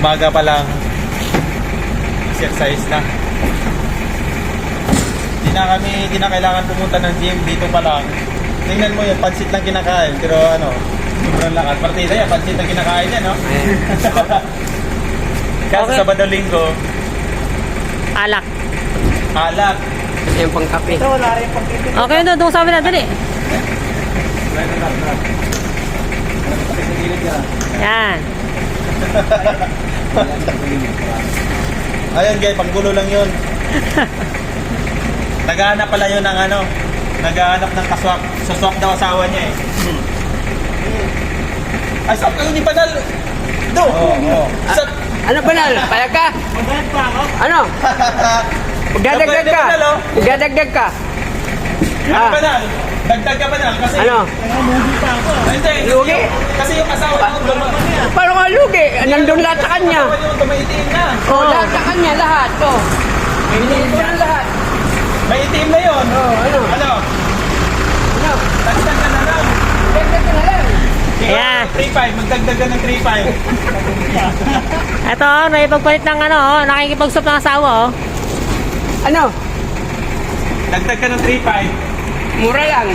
Umaga pa lang. Exercise na. Hindi na kailangan pumunta ng gym. Dito pa lang. Tingnan mo yung pansit lang kinakain. Pero ano, sobrang lakas. Partida yan, pansit lang kinakain yan, no? Kasi Okay. Sabado Linggo, Alak. alak. Yung pangkape. Ito, wala rin pang titin. Okay, doon sa amin na, dali. Yan. Ayun guys, panggulo lang yun. Naghahanap pala yun ng ano, naghahanap ng kaswak. Saswak daw asawa niya eh. Ay, swak kayo ni Banal. Do. Oo. Ano Banal? Payag ka? Maghanap pa ako. Ano? Magdadagdag ka? Magdadagdag ka? Ano Banal? Dagdag ka Banal kasi Ano? lugi pa ako. Hindi. Lugi? Kasi yung asawa niya, Paano ka lugi? Nandun lahat sa kanya. asawa niya tumaitim na. Oh, lahat sa kanya, lahat. Oh. Binili ko ng lahat. May itim na yun. Oh, ano? Ano? Ano? Dagdag ka na lang. Dagdag ka na lang. Ayan. 3.5, magdagdag ka ng 3.5. Ito, may pagpalit ng ano, nakikipag-stop ng asawa, oh. Ano? Dagdag ka ng 3.5. Mura lang.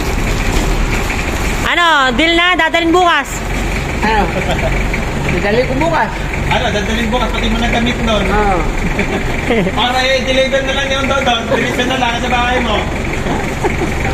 Ano, deal na, dadalhin bukas. Ano? Dali ko bukas. Ano, dadalhin bukas pati mo nagamit nun. Oh. Para i-deliver na lang yung doon. Release na lang sa bahay mo.